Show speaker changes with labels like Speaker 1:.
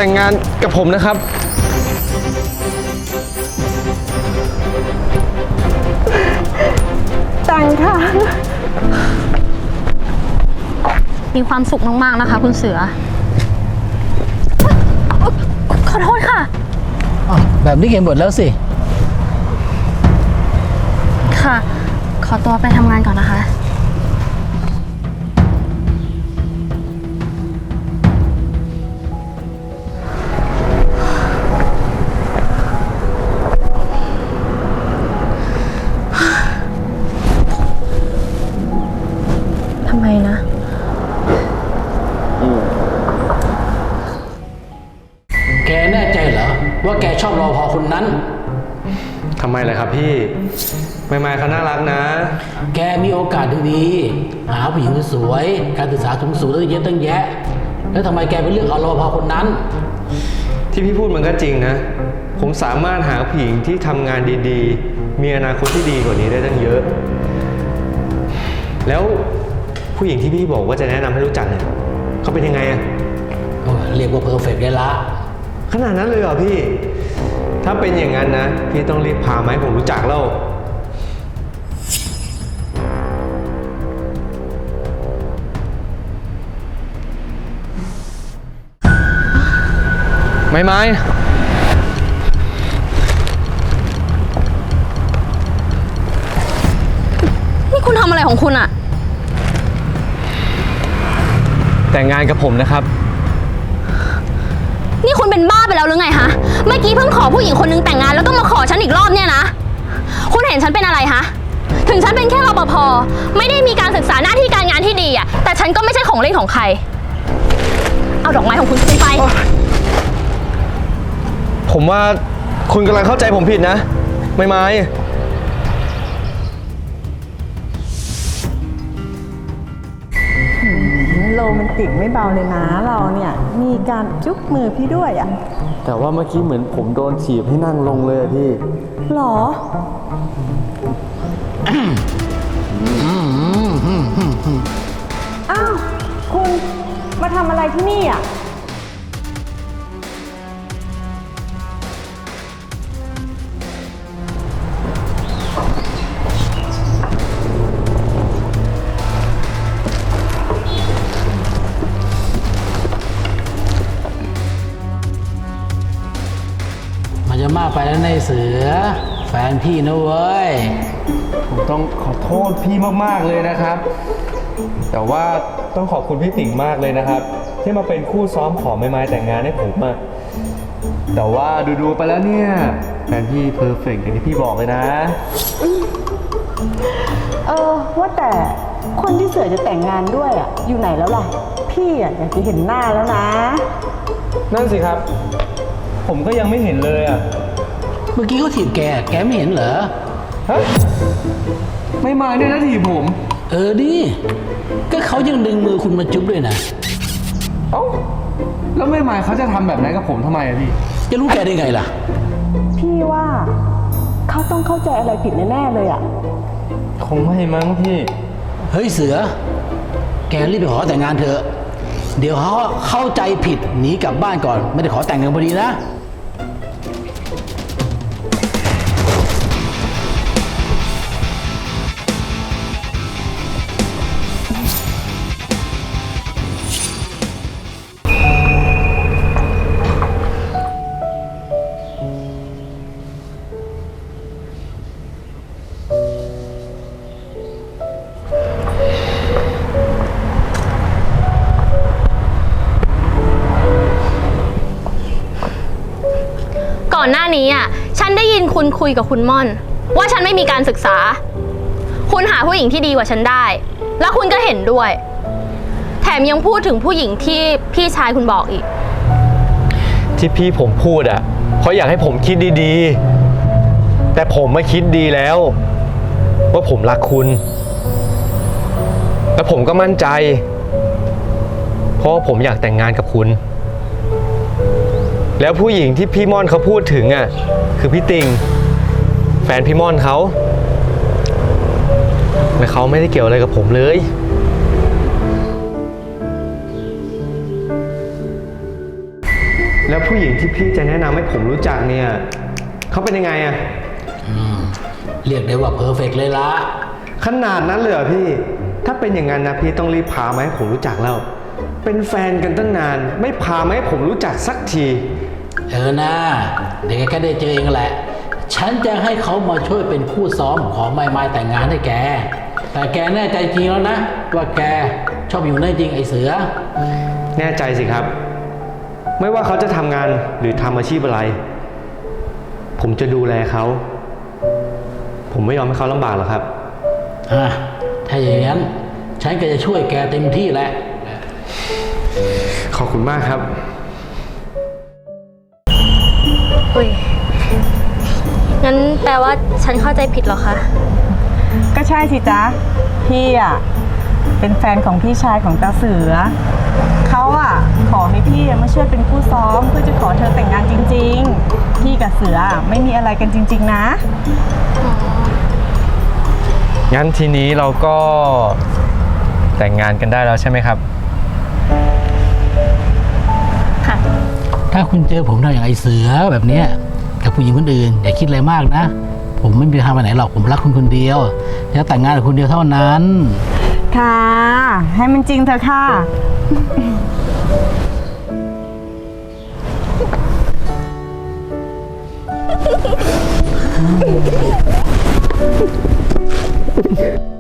Speaker 1: แต่งงานกับผมนะครับ
Speaker 2: แต่งค่ะ
Speaker 3: มีความสุขมากๆนะคะคุณเสือขอโทษค่ะ
Speaker 4: แบบนี้เห็นหมดแล้วสิ
Speaker 3: ค่ะ ขอตัวไปทำงานก่อนนะคะทำไมนะ
Speaker 4: แกแน่ใจเหรอว่าแกชอบรอพอคนนั้น
Speaker 1: ทำไมล่ะครับพี่ไม่ไม่เขาน่ารักนะ
Speaker 4: แกมีโอกาสดีๆหาผู้หญิงสวยการศึกษาสูงๆตั้งเยอะตั้งแยะ แล้วทำไมแกไปเลือกเอารอพอคนนั้น
Speaker 1: ที่พี่พูดมันก็จริงนะ ผมสามารถหาผู้หญิงที่ทำงานดีๆ มีอนาคตที่ดีกว่านี้ได้ตั้งเยอะ แล้วผู้หญิงที่พี่บอกว่าจะแนะนำให้รู้จักเนี่ยเขาเป็นยังไงอะ
Speaker 4: เรียกว่าเพอร์เฟกต์ได้ละ
Speaker 1: ขนาดนั้นเลยเหรอพี่ ถ้าเป็นอย่างนั้นนะพี่ต้องรีบพามาให้ผมรู้จักแล้วไม่
Speaker 3: นี่คุณทำอะไรของคุณอะ
Speaker 1: แต่งงานกับผมนะครับ
Speaker 3: นี่คุณเป็นบ้าไปแล้วหรือไงฮะ เมื่อกี้เพิ่งขอผู้หญิงคนนึงแต่งงานแล้วก็มาขอฉันอีกรอบเนี่ยนะ คุณเห็นฉันเป็นอะไรฮะ ถึงฉันเป็นแค่รปภ.ไม่ได้มีการศึกษาหน้าที่การงานที่ดีอะแต่ฉันก็ไม่ใช่ของเล่นของใคร เอาดอกไม้ของคุณคืนไป
Speaker 1: ผมว่าคุณกำลังเข้าใจผมผิดนะไม่
Speaker 2: โรแมนติกไม่เบาเลยนะเราเนี่ยมีการจุ๊บมือพี่ด้วยอ่ะ
Speaker 1: แต่ว่าเมื่อกี้เหมือนผมโดนถีบให้นั่งลงเลยอะพี่
Speaker 2: หรอ อ้าว คุณมาทำอะไรที่นี่อ่ะ
Speaker 4: มันจะมากไปแล้วในเสือ แฟนพี่นะเว้ย
Speaker 1: ผมต้องขอโทษพี่มากๆเลยนะครับ แต่ว่าต้องขอบคุณพี่ติ่งมากเลยนะครับ ที่มาเป็นคู่ซ้อมขอไม้แต่งงานให้ผมอะแต่ว่าดูๆไปแล้วเนี่ยแฟนพี่เพอร์เฟกต์อย่างที่พี่บอกเลยนะ
Speaker 2: ว่าแต่คนที่เสือจะแต่งงานด้วยอ่ะ อยู่ไหนแล้วล่ะ พี่อ่ะอยากจะเห็นหน้าแล้วนะ
Speaker 1: นั่นสิครับ ผมก็ยังไม่เห็นเลยอะ
Speaker 4: เมื่อกี้เขาถีบแกไม่เห็นเหรอ
Speaker 1: ฮะไม่มาเนี่ยนะถีบผม
Speaker 4: ดิก็เขายังดึงมือคุณมาจุ๊บด้วยนะ
Speaker 1: เอ้าแล้วไม่มาเขาจะทำแบบนั้นกับผมทำไมอะพี่
Speaker 4: จะรู้แกได้ไงล่ะ
Speaker 2: พี่ว่าเขาต้องเข้าใจอะไรผิดแน่ๆเลยอ่ะ
Speaker 1: คงไม่มั้งพี่
Speaker 4: เฮ้ยเสือ แกรีบไปขอแต่งงานเถอะ เดี๋ยวเขาเข้าใจผิดหนีกลับบ้านก่อน ไม่ได้ขอแต่งกันพอดีนะ
Speaker 3: ก่อนหน้านี้อ่ะ ฉันได้ยินคุณคุยกับคุณม่อน ว่าฉันไม่มีการศึกษา คุณหาผู้หญิงที่ดีกว่าฉันได้ แล้วคุณก็เห็นด้วย แถมยังพูดถึงผู้หญิงที่พี่ชายคุณบอกอีก
Speaker 1: ที่พี่ผมพูดอะเพราะอยากให้ผมคิดดีๆ แต่ผมไม่คิดดีแล้ว ว่าผมรักคุณ และผมก็มั่นใจ เพราะว่าผมอยากแต่งงานกับคุณ แล้วผู้หญิงที่พี่ม่อนเขาพูดถึงอ่ะคือพี่ติงแฟนพี่ม่อนเขาและเขาไม่ได้เกี่ยวอะไรกับผมเลยแล้วผู้หญิงที่พี่จะแนะนำให้ผมรู้จักเนี่ยเขาเป็นยังไงอะ
Speaker 4: เรียกได้ว่าเพอร์เฟกต์เลยละ
Speaker 1: ขนาดนั้นเลยเหรอพี่ ถ้าเป็นอย่างนั้นนะพี่ต้องรีบพามาให้ผมรู้จักแล้ว เป็นแฟนกันตั้งนาน ไม่พามาให้ผมรู้จักสักที
Speaker 4: นะเดี๋ยวแกได้เจอเองแหละ ฉันจะให้เขามาช่วยเป็นคู่ซ้อมของไม้แต่งงานให้แก แต่แกแน่ใจจริงแล้วนะว่าแกชอบอยู่นั่นจริงไอ้เสือ
Speaker 1: แน่ใจสิครับ ไม่ว่าเขาจะทำงานหรือทำอาชีพอะไร ผมจะดูแลเขา ผมไม่ยอมให้เขาลำบากหรอกครับ
Speaker 4: ถ้าอย่างนั้นฉันก็จะช่วยแกเต็มที่แหละ
Speaker 1: ขอบคุณมากครับ
Speaker 3: อุ้ย งั้นแปลว่าฉันเข้าใจผิดเหรอคะ
Speaker 2: ก็ใช่สิจ๊ะ พี่อ่ะเป็นแฟนของพี่ชายของตาเสือ เขาอ่ะขอให้พี่มาช่วยเป็นคู่ซ้อมเพื่อจะขอเธอแต่งงานจริงๆ พี่กับเสือไม่มีอะไรกันจริงๆนะ
Speaker 1: งั้นทีนี้เราก็แต่งงานกันได้แล้วใช่ไหมครับ
Speaker 3: ค่ะ
Speaker 4: ถ้าคุณเจอผมทำอย่างไอ้เสือแบบเนี้ยกับผู้หญิงคนอื่นอย่าคิดอะไรมากนะ ผมไม่มีทางไปไหนหรอกผมรักคุณคนเดียวจะแต่งงานกับคุณเดียวเท่านั้น
Speaker 2: ค่ะ ให้มันจริงเถอะค่ะ
Speaker 1: เ